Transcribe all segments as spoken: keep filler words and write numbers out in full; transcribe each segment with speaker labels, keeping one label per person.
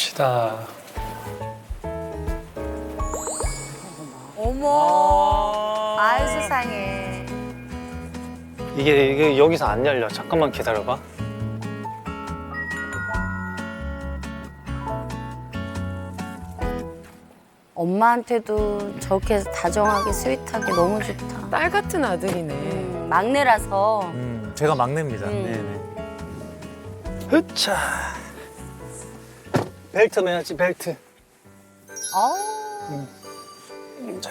Speaker 1: 갑시다.
Speaker 2: 어머. 아이 세상에.
Speaker 1: 이게, 이게 여기서 안 열려. 잠깐만 기다려봐.
Speaker 2: 엄마한테도 저렇게 다정하게 스윗하게 너무 좋다.
Speaker 3: 딸 같은 아들이네.
Speaker 2: 음, 막내라서.
Speaker 4: 음, 제가 막내입니다.
Speaker 2: 음.
Speaker 4: 네네.
Speaker 1: 으차. 벨트 매야지, 벨트.
Speaker 2: 어.
Speaker 1: 자.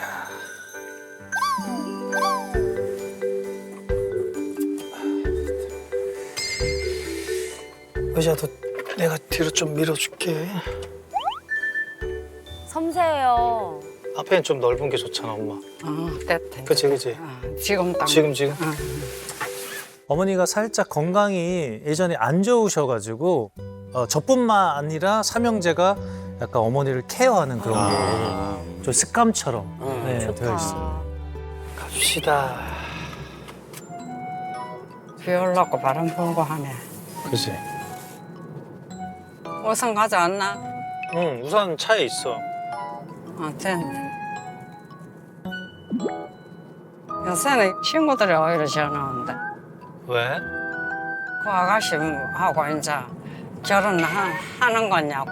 Speaker 1: 의자도 내가 뒤로 좀 밀어줄게.
Speaker 2: 섬세해요.
Speaker 1: 앞에는 좀 넓은 게 좋잖아, 엄마.
Speaker 5: 어, 됐다.
Speaker 1: 그치, 그치.
Speaker 5: 어, 지금 딱.
Speaker 1: 지금, 지금.
Speaker 5: 어.
Speaker 4: 어머니가 살짝 건강이 예전에 안 좋으셔가지고 어, 저뿐만 아니라 삼형제가 약간 어머니를 케어하는 그런 게 좀 습관처럼 네, 되어 있어요.
Speaker 1: 갑시다.
Speaker 5: 비 올라고 바람 불고 하네.
Speaker 1: 그치.
Speaker 5: 우선 가져왔나?
Speaker 1: 응, 우산 차에 있어.
Speaker 5: 어, 됐네. 요새는 친구들이 오히려 전화온대.
Speaker 1: 왜?
Speaker 5: 그 아가씨하고 이제 결혼하는 거냐고.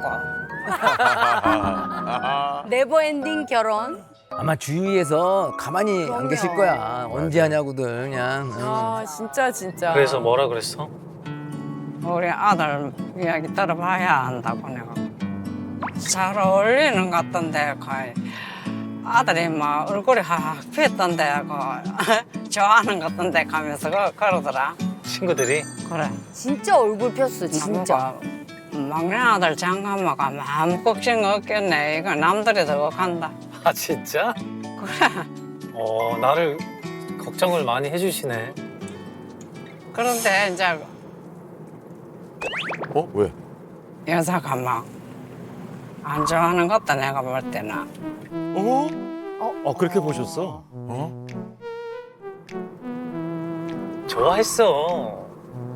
Speaker 2: 네버엔딩 결혼.
Speaker 6: 아마 주위에서 가만히 안 계실 거야. 언제 하냐고들 그냥. 응.
Speaker 3: 아 진짜 진짜.
Speaker 1: 그래서 뭐라 그랬어?
Speaker 5: 우리 아들 이야기 들어봐야 한다고 내가. 잘 어울리는 것 같던데 거의. 아들이 막 얼굴이 확 피었던데 그 좋아하는 것 같던데 가면서 그, 그러더라.
Speaker 1: 친구들이?
Speaker 5: 그래.
Speaker 2: 진짜 얼굴 폈어, 진짜.
Speaker 5: 나보고 막내 아들 장가마가 마음 걱정 없겠네. 이거 남들이 더 간다.
Speaker 1: 아, 진짜?
Speaker 5: 그래.
Speaker 1: 어, 나를 걱정을 많이 해주시네.
Speaker 5: 그런데 이제
Speaker 7: 어? 왜?
Speaker 5: 여자가 막 안 좋아하는 것 같다 내가 볼 때는.
Speaker 7: 어? 어, 그렇게 보셨어? 어?
Speaker 1: 좋아했어.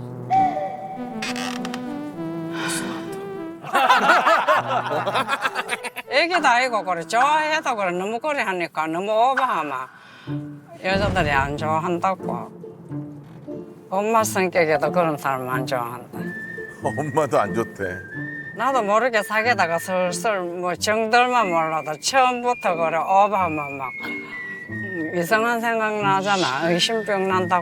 Speaker 5: 애기도 아니고 그래 좋아해도 그래 너무 그래 하니까 너무 오버하면 여자들이 안 좋아한다고. 엄마 성격에도 그런 사람 안 좋아한다.
Speaker 7: 엄마도 안 좋대.
Speaker 5: 나도 모르게 사귀다가 슬슬 뭐 정들만 몰라도 처음부터 그래 오버하면 막 음, 이상한 생각 나잖아. 의심병 난다고.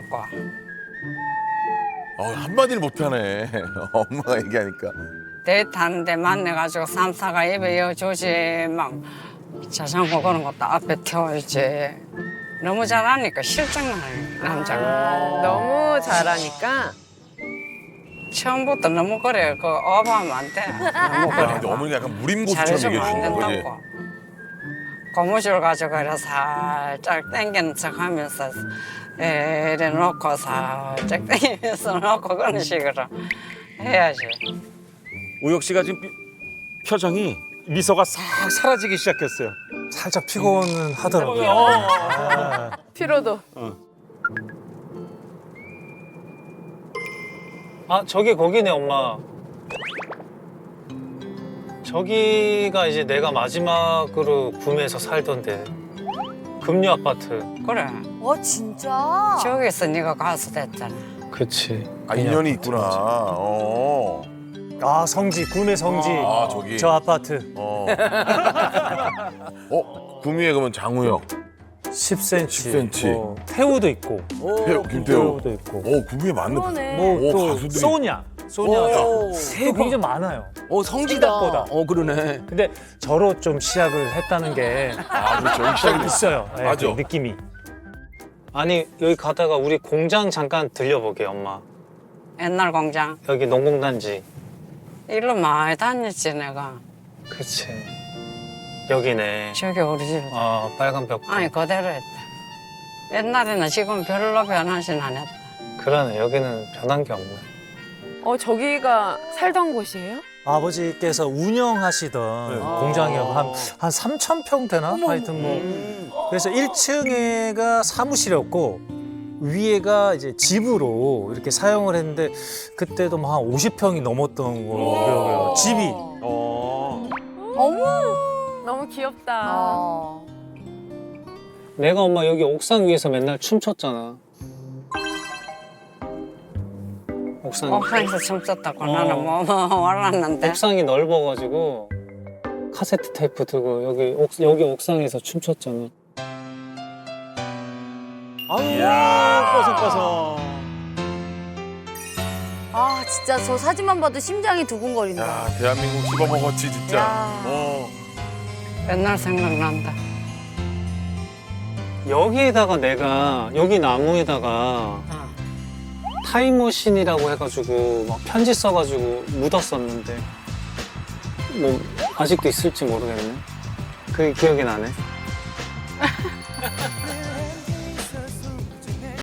Speaker 7: 어, 한마디를 못하네. 엄마가 얘기하니까.
Speaker 5: 데이트하는데 만나가지고 삼사가 입에 여주지 막 자전거 그런 것도 앞에 태워야지. 너무 잘하니까 실증나네 남자가.
Speaker 3: 너무 잘하니까.
Speaker 5: 처음부터 너무 그래 그 오버하면 안 돼. 너무
Speaker 7: 야,
Speaker 5: 그래.
Speaker 7: 근데 어머니가 약간 무림고수처럼
Speaker 5: 잘해주면
Speaker 7: 얘기해
Speaker 5: 안
Speaker 7: 주는 거지.
Speaker 5: 된다고. 고무줄 가지고 이래 살짝 당기는 척 하면서 이래 놓고 살짝 당기면서 놓고 그런 식으로 해야지.
Speaker 8: 우혁 씨가 지금 삐- 표정이 미소가 싹 사라지기 시작했어요.
Speaker 4: 살짝 피곤은 하더라고요. 아,
Speaker 3: 피로도.
Speaker 1: 아, 저기 거기네, 엄마. 저기가 이제 내가 마지막으로 구매해서 살던데. 금류 아파트.
Speaker 5: 그래.
Speaker 2: 어, 진짜?
Speaker 5: 저기서 네가 가수 됐잖아.
Speaker 1: 그치.
Speaker 7: 아, 인연이 있구나. 어.
Speaker 4: 아 성지 구매 성지
Speaker 7: 아, 저기.
Speaker 4: 저 아파트
Speaker 7: 어. 어? 구미에 그러면 장우혁.
Speaker 4: 십 센치,
Speaker 7: 십 센치.
Speaker 4: 뭐, 태우도 있고
Speaker 7: 태우, 김태우.
Speaker 4: 태우도 있고
Speaker 7: 어, 구미에 맞네.
Speaker 2: 그러네.
Speaker 4: 뭐
Speaker 7: 오,
Speaker 4: 또
Speaker 7: 가수들이.
Speaker 4: 소냐 소냐가
Speaker 6: 오,
Speaker 4: 또
Speaker 6: 대박.
Speaker 4: 굉장히 많아요.
Speaker 6: 어 성지다.
Speaker 4: 생각보다.
Speaker 6: 어 그러네.
Speaker 4: 근데 저로 좀 시작을 했다는 게
Speaker 7: 아, 그렇죠. 여기 시작이 됐어.
Speaker 4: 있어요. 네,
Speaker 7: 맞아.
Speaker 4: 그 느낌이.
Speaker 1: 아니, 여기 가다가 우리 공장 잠깐 들려보게, 엄마.
Speaker 5: 옛날 공장.
Speaker 1: 여기 농공단지.
Speaker 5: 일로 많이 다녔지 내가.
Speaker 1: 그치. 여기네.
Speaker 5: 저기 우리 집.
Speaker 1: 아, 빨간 벽.
Speaker 5: 아니 그대로 했다. 옛날에는 지금 별로 변하진 않았다.
Speaker 1: 그러네, 여기는 변한 게 없네.
Speaker 3: 어 저기가 살던 곳이에요?
Speaker 4: 아버지께서 운영하시던
Speaker 8: 네.
Speaker 4: 공장이 한, 한 삼천 평 되나? 하여튼 뭐.
Speaker 6: 음.
Speaker 4: 그래서 일 층에가 사무실이었고, 위에가 이제 집으로 이렇게 사용을 했는데, 그때도 뭐 한 오십 평이 넘었던 거고요. 집이.
Speaker 8: 어.
Speaker 3: 귀엽다.
Speaker 2: 어.
Speaker 1: 내가 엄마 여기 옥상 위에서 맨날 춤췄잖아. 옥상.
Speaker 5: 옥상에서 춤췄다고
Speaker 1: 어.
Speaker 5: 나는 뭐, 뭐 몰랐는데.
Speaker 1: 옥상이 넓어가지고 카세트 테이프 들고 여기 옥 여기 옥상에서 춤췄잖아.
Speaker 8: 이야, 뽀송뽀송.
Speaker 2: 아 진짜 저 사진만 봐도 심장이 두근거린다.
Speaker 7: 야, 대한민국 씹어먹었지 진짜.
Speaker 2: 야.
Speaker 7: 어.
Speaker 5: 맨날 생각난다.
Speaker 1: 여기에다가 내가 여기 나무에다가 타임머신이라고 해가지고 막 편지 써가지고 묻었었는데 뭐 아직도 있을지 모르겠네. 그게 기억이 나네.